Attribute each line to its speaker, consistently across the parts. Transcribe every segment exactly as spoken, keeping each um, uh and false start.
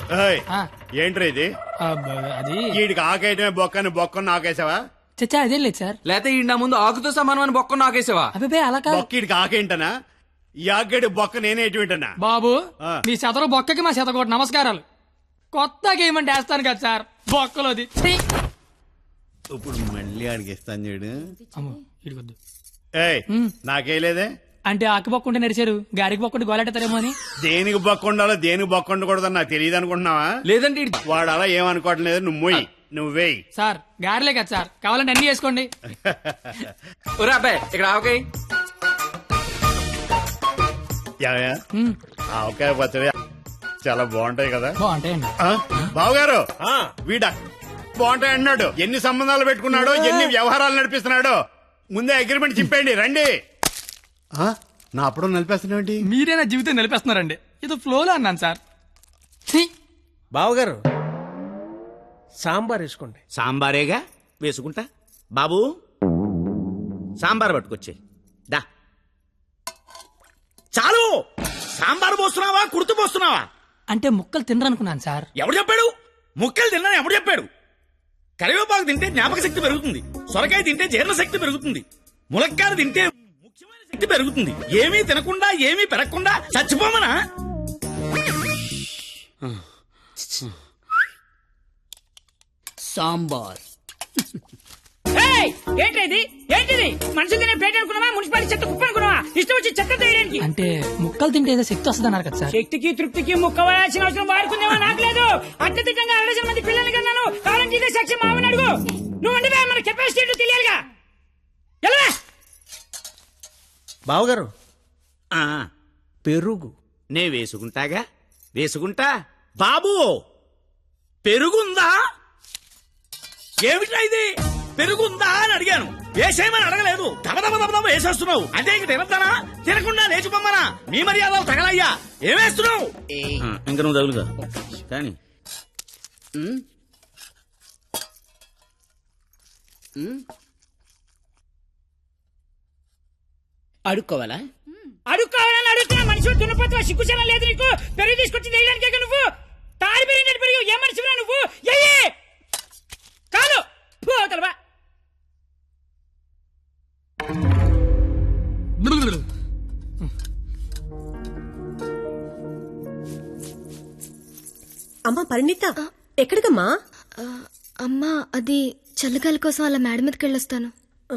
Speaker 1: ఏయ్,
Speaker 2: ఆ,
Speaker 1: ఏంట్రా ఇది?
Speaker 2: ఆ, బ- అది
Speaker 1: వీడికి ఆకేయటమే బొక్కని బొక్కను నాకేసావా?
Speaker 2: చచ్చా అదేం లేదు సార్.
Speaker 3: లేకపోతే ఈ నా ముందు ఆకుతో సమానం అని బొక్క నాకేసావా?
Speaker 2: అబ్బాయి అలా కాదు
Speaker 1: బొక్క వీడికి ఆకేంటనా? ఈ ఆకేడు బొక్క నేనే ఎటువంటనా?
Speaker 2: బాబు.
Speaker 1: ఆ.
Speaker 2: మీ శతరు బొక్కకి మా శతకోటి నమస్కారాలు. కొత్త గేమ్ అంటే వేస్తాను కదా సార్ బొక్కలోది. ఛీ!
Speaker 1: ఇప్పుడు మళ్ళీ ఆడికి ఇస్తాను చూడు.
Speaker 2: అమ్మో, ఇడికొద్దు.
Speaker 1: ఏయ్, నాకేలేదే.
Speaker 2: అంటే ఆకు బొక్క ఉంటే నడిచారు, గారికి బొక్క ఉంటే గోలెట్టారేమో అని.
Speaker 1: దేనికి బొక్క ఉండాలో దేనికి బొక్క ఉండకూడదని నాకు తెలియదు అనుకుంటున్నావా?
Speaker 3: లేదంటే ఈడు-
Speaker 1: వాడు అలా ఏమనుకోవట్లేదు. నువ్వు మొయ్యి, నువ్వు వేయి.
Speaker 2: సార్ గారిలే కదా సార్, కావాలంటే అన్ని చేసుకోండి.
Speaker 3: ఒరే అబ్బాయి ఇక్కడ ఆవకాయ.
Speaker 1: యావయ్య,
Speaker 2: ఉమ్,
Speaker 1: ఆవకాయ పచ్చడి చాలా బాగుంటాయి కదా.
Speaker 2: బాగుంటాయండి.
Speaker 1: ఆ? బావగారు, వీడ బాగుంటాయి అన్నాడు. ఎన్ని సంబంధాలు పెట్టుకున్నాడో, ఎన్ని వ్యవహారాలు నడిపిస్తున్నాడో ముందే అగ్రిమెంట్ చింపేయండి. రండి. ఆ? నా అప్పుడు నడిపేస్తున్నావు.
Speaker 2: మీరే నా జీవితం నిలిపేస్తున్నారండి. ఇది ఫ్లోలో అన్నాను సార్. ఛీ!
Speaker 4: బావగారు సాంబార్ వేసుకోండి.
Speaker 5: సాంబారేగా వేసుకుంటా. బాబు సాంబార్ పట్టుకొచ్చే దా. చాలు. సాంబార్ పోస్తున్నావా కుర్తు పోస్తున్నావా?
Speaker 2: అంటే ముక్కలు తినరనుకున్నాను సార్.
Speaker 5: ఎవడు చెప్పాడు? ముక్కలు తిన్నా ఎవడు చెప్పాడు? కరివేపాకు తింటే జ్ఞాపక శక్తి పెరుగుతుంది, సొరకాయ తింటే జీర్ణ శక్తి పెరుగుతుంది, ములక్కాయ తింటే ముఖ్యమైన శక్తి పెరుగుతుంది. ఏమీ తినకుండా ఏమీ పెరగకుండా చచ్చిపోమనా?
Speaker 6: సాంబార్.
Speaker 7: ఏంటిది ఏంటిది? మనుషులు తినే ప్లేట్ అనుకున్నావా? మున్సిపాలిటీ చెత్త కుప్ప అనుకున్నావా? ఇష్టం వచ్చి చెత్త తీయడానికి.
Speaker 2: అంటే ముక్కలు తింటే ఏదో శక్తి వస్తుంది అన్నారు కదా సార్.
Speaker 7: శక్తికి తృప్తికి ముక్క వేయాల్సిన అవసరం వాడుకుందేమో నాకు లేదు. అత్యధికంగా అరడజన మంది పిల్లల్ని కన్నాను. కావాలంటే ఇదే సాక్షి మామని అడుగు. నువ్వు అంటే మన కెపాసిటీ ఏంటో తెలియాలిగా. ఎలా
Speaker 4: బావగారు
Speaker 5: ఆ,
Speaker 4: పెరుగు.
Speaker 5: నే వేసుకుంటాగా వేసుకుంటా. బాబు పెరుగుందా? ఏమిటా ఇది? పెరుగుందా అని అడిగాను, వేసేయమని అడగలేదు. దబ దబ దబ దబ వేసేస్తున్నావు. అంటే ఇంక తినద్దానా? తినకుండా లేచిపోమ్మనా? మీ మర్యాదలు తగలయ్యా. ఏమేస్తున్నావు? ఇంక నువ్వు తగులుగా కానీ
Speaker 6: అడుక్కోవాలా?
Speaker 7: అడుక్కోవాలని అడుగుతున్నా. మనిషి దున్నపోతున్నా, సిగ్గుచనం లేదు నీకు. పెరుగు తీసుకొచ్చి వేయడానికే నువ్వు తారి పెరిగినట్టు పెరుగు. ఏ మనిషిరా నువ్వు? ఎయ్యి కాదు పోతలవా.
Speaker 8: అమ్మా పరిణిత, ఎక్కడికమ్మా?
Speaker 9: అమ్మా అది చల్లగాలి కోసం అలా మేడ మీదకి వెళ్ళొస్తాను.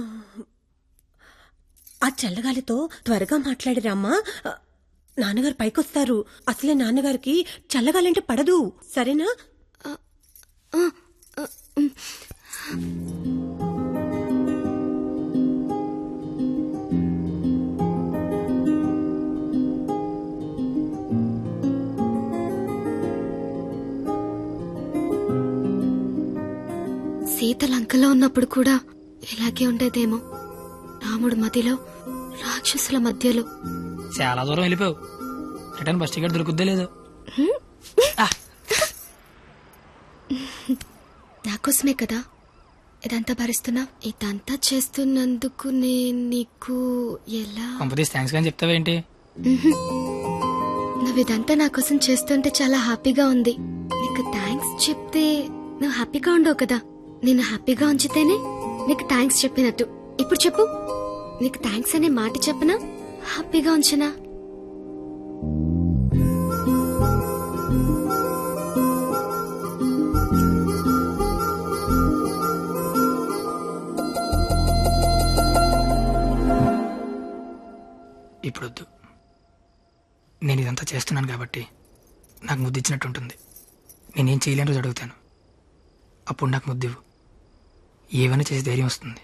Speaker 8: ఆ చల్లగాలితో త్వరగా మాట్లాడిరామ్మా. నాన్నగారు పైకొస్తారు. అసలే నాన్నగారికి చల్లగాలంటే పడదు, సరేనా?
Speaker 9: సీత లంకలో ఉన్నప్పుడు కూడా ఇలాగే ఉండేదేమో. రాముడు మదిలో, రాక్షసుల మధ్యలో.
Speaker 2: చాలా దూరం వెళ్ళిపోయావు. రిటర్న్ బస్ టికెట్ దొరుకుద్దే లేదు.
Speaker 9: నాకోసమే కదా ఇదంతా భరిస్తున్నా. ఇదంతా చేస్తున్నందుకు నేను నీకు ఎలా
Speaker 2: కంపెనీస్ థ్యాంక్స్ కానీ చెప్తావేంటి?
Speaker 9: నువ్వు ఇదంతా నా కోసం చేస్తుంటే చాలా హ్యాపీగా ఉంది. నీకు థ్యాంక్స్ చెప్తే నువ్వు హ్యాపీగా ఉండవు కదా. నేను హ్యాపీగా ఉంచితేనే నీకు థ్యాంక్స్ చెప్పినట్టు. ఇప్పుడు చెప్పు, నీకు థ్యాంక్స్ అనే మాట చెప్పనా, హ్యాపీగా ఉంచనా?
Speaker 2: ఇప్పుడొద్దు. నేను ఇదంతా చేస్తున్నాను కాబట్టి నాకు ముద్దు ఇచ్చినట్టు ఉంటుంది. నేనేం చేయలేని రోజు అడుగుతాను, అప్పుడు నాకు ముద్దివ్వు. ఏమైనా చేసి ధైర్యం వస్తుంది.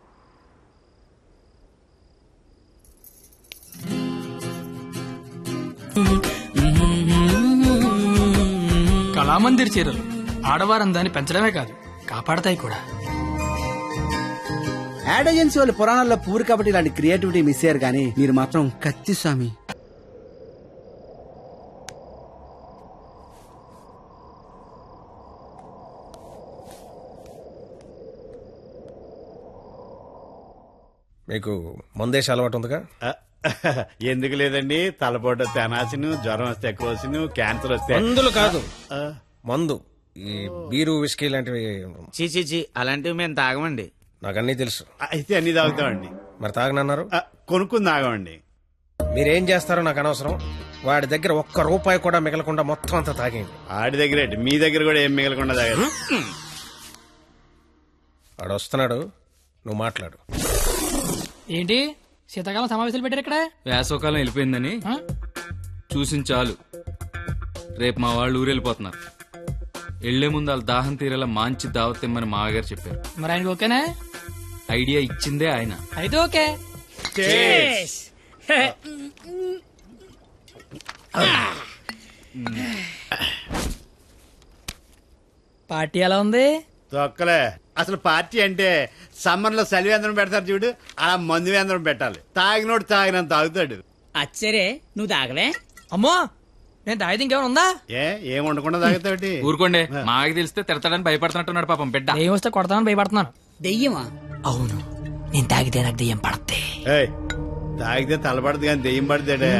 Speaker 2: కళామందిర్ చీరలు ఆడవారందాన్ని పెంచడమే కాదు, కాపాడతాయి కూడా.
Speaker 10: యాడ్ ఏజెన్సీ వాళ్ళు పురాణాల్లో పూరి కాబట్టి ఇలాంటి క్రియేటివిటీ మిస్ అయ్యారు, కానీ మీరు మాత్రం కత్తి స్వామి.
Speaker 4: మీకు మందేసి అలవాటు ఉందిగా?
Speaker 1: ఎందుకు లేదండి, తలపోట తెనాసిను, జ్వరం వస్తే ఎక్కువ, క్యాన్సర్ వస్తే
Speaker 4: మందులు కాదు
Speaker 1: ఆ,
Speaker 4: మందు ఈ బీరు విస్కీ లాంటివి
Speaker 5: చీ చీ చీ అలాంటివి మేము తాగమండి.
Speaker 4: నాకు అన్నీ తెలుసు.
Speaker 1: అయితే అన్ని తాగుతామండి.
Speaker 4: మరి తాగనన్నారు.
Speaker 1: ఆ, కొనుక్కుని తాగమండి.
Speaker 4: మీరేం చేస్తారో నాకు అనవసరం. వాడి దగ్గర ఒక్క రూపాయి కూడా మిగలకుండా మొత్తం అంతా తాగేయండి.
Speaker 1: ఆడి దగ్గర ఏంటి, మీ దగ్గర కూడా ఏం మిగలకుండా తాగారు.
Speaker 4: వాడు వస్తున్నాడు, నువ్వు మాట్లాడు.
Speaker 2: ఏంటి శీతాకాలం సమావేశాలు పెట్టారు ఇక్కడ?
Speaker 3: వేసవకాలం వెళ్ళిపోయిందని
Speaker 2: ఆ?
Speaker 3: చూసిన చాలు. రేపు మా వాళ్ళు ఊరెళ్ళిపోతున్నారు. వెళ్లే ముందు వాళ్ళ దాహం తీరేలా మంచి దావత్ ఇమ్మని మామగారు చెప్పారు.
Speaker 2: మరి ఆయనకి ఓకేనా?
Speaker 3: ఐడియా ఇచ్చిందే ఆయన.
Speaker 2: అయితే ఓకే.
Speaker 1: Cheers.
Speaker 2: పార్టీ ఎలా ఉంది?
Speaker 1: తొక్కలే. అసలు పార్టీ అంటే సమ్మర్ లో సలివేంద్రం పెడతారు చూడు, అలా మందు వేంద్రం పెట్టాలి. తాగినోడు తాగినంత తాగుతాడు.
Speaker 7: అచ్చరే నువ్వు తాగలే?
Speaker 2: అమ్మో, నేను తాగితే ఇంకేమైనా ఉందా?
Speaker 1: ఏ ఏం ఉండకుండా తాగుతావుటి?
Speaker 3: ఊరుకోండి, మాకి తెలిస్తే తిడతాడని భయపడుతున్నట్టున్నాడు పాపం బిడ్డ.
Speaker 2: దెయ్యం వస్తే కొడతామని భయపడుతున్నాను.
Speaker 7: దెయ్యమా?
Speaker 2: అవును, నేను తాగితే నాకు దెయ్యం పడద్ది.
Speaker 1: ఏయ్, తాగితే తలపడదు కానీ దెయ్యం పడితేడే.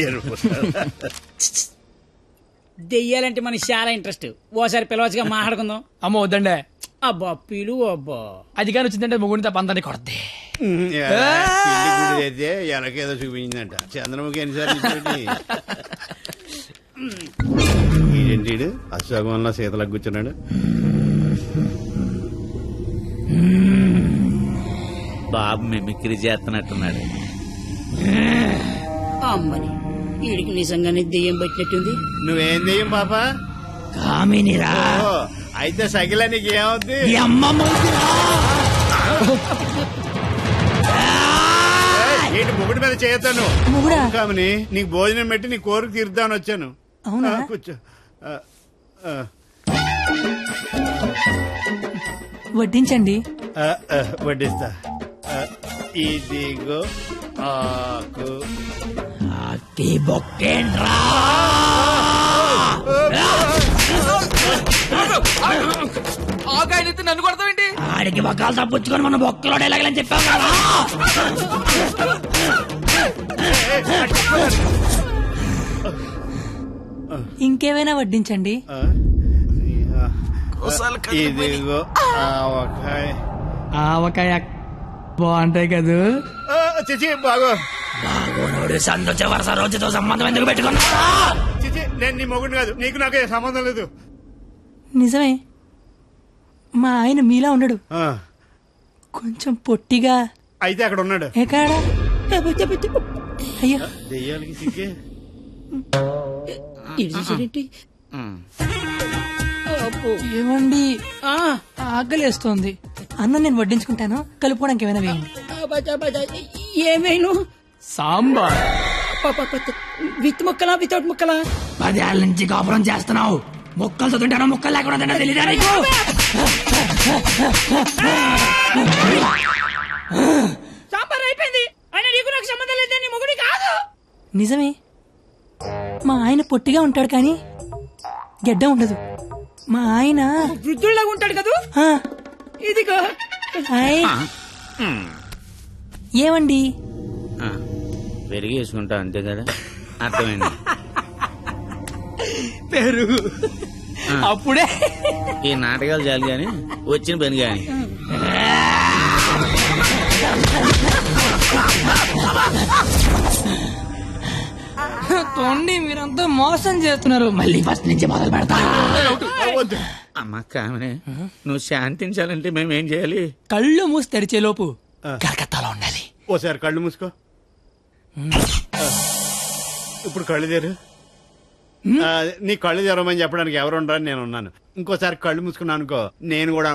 Speaker 7: దెయ్యాలంటే మనకి చాలా ఇంట్రెస్ట్. ఓసారి పిలవచ్చుగా మాట్లాడుకుందాం.
Speaker 2: అమ్మో వద్దండే.
Speaker 7: అబ్బా పిలు అబ్బా.
Speaker 2: అది కానీ వచ్చిందంటే ముగ్గురిని తప్ప అందరినీ కొడద్ది.
Speaker 1: అయితే ఎనకేదో చూపించిందంట. చంద్రముఖి ఎన్నిసార్లు ఏంటి అశోకంలో శీతలకు కూర్చున్నాడు.
Speaker 5: బాబు మిమిక్రీ చేస్తున్నట్టున్నాడు.
Speaker 7: అమ్మని వీడికి నిజంగానే దెయ్యం పట్టినట్టుంది.
Speaker 1: నువ్వేం దెయ్యం పాప?
Speaker 7: కామినిరా.
Speaker 1: ఓ, అయితే సగిల నీకు ఏమవుద్ది? ఏంటి ముగుడి మీద చేయతాను కామని, నీకు భోజనం పెట్టి నీ కోరిక తీర్దామని వచ్చాను.
Speaker 2: అవునా?
Speaker 1: ఆ, కూర్చో. ఆ, ఆ.
Speaker 2: వడ్డించండి.
Speaker 1: ఆ, ఆ, వడ్డిస్తా. ఆ, ఇదిగో ఆకు.
Speaker 3: ఆగాయనైతే నన్ను కొడతావేంటి?
Speaker 7: ఆడికి బొక్కలు తప్పించుకొని మన బొక్కలో ఎలాగలని చెప్పాం కదా.
Speaker 2: ఇంకేమైనా వడ్డించండి.
Speaker 1: ఆ, ఇదిగో ఆవకాయ.
Speaker 2: ఆవకాయ బాగుంటాయి కదూ.
Speaker 1: ఆ, చిచి బాగో.
Speaker 7: సంతోష వరుస రోజుతో సంబంధం ఎందుకు పెట్టుకున్నా?
Speaker 1: చిచి, నేను నీ మొగుడు కాదు, నీకు నాకు ఏ సంబంధం లేదు.
Speaker 2: నిజమే, మా ఆయన మీలా ఉండడు,
Speaker 1: ఆ,
Speaker 2: కొంచెం పొట్టిగా.
Speaker 1: అయితే అక్కడ ఉన్నాడు.
Speaker 2: ఎక్కడా? అయ్యో,
Speaker 1: దెయ్యాలకి సిగ్గే.
Speaker 2: ఏమండి, ఆకలేస్తోంది. అన్నం నేను వడ్డించుకుంటాను, కలుపుకోవడానికి ఏమైనా వేయండి.
Speaker 7: ఏమైనా
Speaker 2: సాంబార్.
Speaker 7: విత్ ముక్కలా వితౌట్ ముక్కలా? పదేళ్ళ నుంచి కాపురం చేస్తున్నావు, ముక్కలతో తింటానో ముక్కలు లేకుండా తింటా తెలియదా నీకు? సాంబార్ అయిపోయింది. ఆయన నీకు నాకు సంబంధం లేదు, నీ మొగుడి కాదు.
Speaker 2: నిజమే, మా ఆయన పొట్టిగా ఉంటాడు కానీ గెడ్డ ఉండదు. మా ఆయన
Speaker 7: వృద్ధుల్లాగా ఉంటాడు కదా.
Speaker 2: ఆ,
Speaker 7: ఇదిగో.
Speaker 2: హాయ్. ఏమండి,
Speaker 5: పెరిగి వేసుకుంటా అంతే కదా. అర్థమైంది.
Speaker 2: పెరుగు అప్పుడే.
Speaker 5: ఈ నాటకాలు చాలు గాని వచ్చిన పని గాని.
Speaker 2: తోండి, మీరంతా మోసం చేస్తున్నారు. మళ్ళీ ఫస్ట్ నుంచి మొదలు పెడతా.
Speaker 5: అమ్మ కామనే, నువ్వు శాంతించాలంటే మేమేం చేయాలి?
Speaker 2: కళ్ళు మూసి తెరిచే లోపు కలకత్తాలో ఉండాలి.
Speaker 1: ఓసారి కళ్ళు మూసుకో. ఇప్పుడు కళ్ళు తెరు. ఆ, నీ కళ్ళు తెరవమని చెప్పడానికి ఎవరు ఉండరని నేను ఉన్నాను. ఇంకోసారి కళ్ళు మూసుకున్నాను అనుకో, నేను కూడా.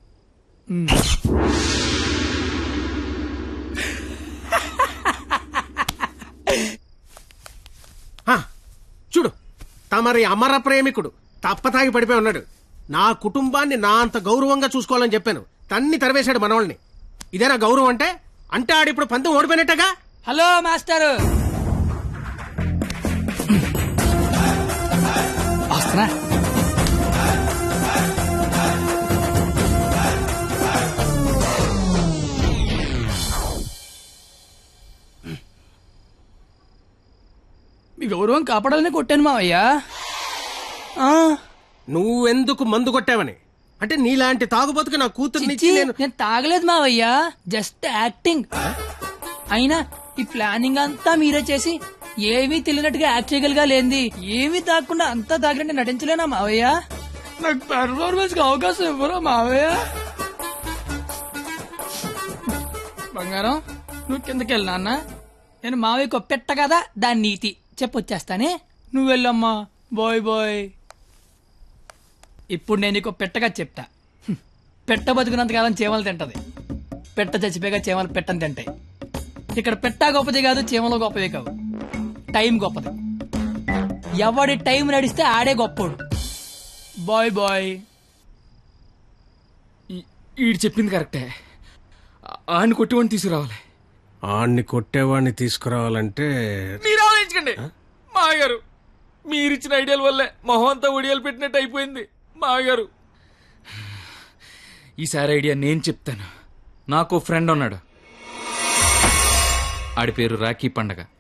Speaker 4: ఆ, చూడు, తమరి అమర ప్రేమికుడు తప్పతాగి పడిపోయి ఉన్నాడు. నా కుటుంబాన్ని నా అంత గౌరవంగా చూసుకోవాలని చెప్పాను, తన్ని తరివేశాడు మనవాళ్ళని. ఇదేనా గౌరవం అంటే? అంటే ఆడిప్పుడు పంతం ఓడిపోయినట్టగా.
Speaker 2: హలో మాస్టర్, వస్తున్నా. గౌరవం కాపాడాలని కొట్టాను మావయ్య. ఆ,
Speaker 4: నువ్వెందుకు మందు కొట్టావని అంటే నీలాంటి తాగుబోతుకి నా కూతుర్ని
Speaker 2: చిచ్చి,
Speaker 4: నేను
Speaker 2: నేను తాగలేదు మావయ్య, జస్ట్ యాక్టింగ్. అయినా ఈ ప్లానింగ్ అంతా మీరే చేసి ఏమీ తెలియనట్టుగా యాక్ట్ చేయగలిగా లేంది. ఏమీ తాగకుండా అంతా తాగినట్టు నటించలేనా మావయ్య? నాకు పెర్ఫార్మెన్స్ కి అవకాశం ఇవ్వరా మావయ్య? బంగారం, నువ్వు కిందకి వెళ్ళి నాన్న, నేను మావయ్యకు పెట్ట కదా దాని నీతి చెప్పొచ్చేస్తానే. నువ్వు వెళ్ళమ్మా. Bye bye. ఇప్పుడు నేను నీకు పెట్టగా చెప్తా. హ్మ్. పెట్ట బతుకున్నంతకాలం చీమలు తింటది, పెట్ట చచ్చిపోయాక చీమలు పెట్టని తింటాయి. ఇక్కడ పెట్ట గొప్పది కాదు, చీమలు గొప్పది కావు, టైం గొప్పది. ఎవడి టైం నడిస్తే ఆడే గొప్పోడు. Bye bye.
Speaker 3: ఈడు చెప్పింది కరెక్టే. ఆయన కొట్టివాడిని తీసుకురావాలి.
Speaker 4: ఆణ్ణి కొట్టేవాడిని తీసుకురావాలంటే
Speaker 3: మీరు ఆలోచించకండి మాగారు. మీరిచ్చిన ఐడియాల వల్లే మొహం అంతా ఒడియాలు పెట్టినట్టు అయిపోయింది మాగారు. ఈసారి ఐడియా నేను చెప్తాను. నాకు ఫ్రెండ్ ఉన్నాడు, ఆడి పేరు రాఖీ పండగ.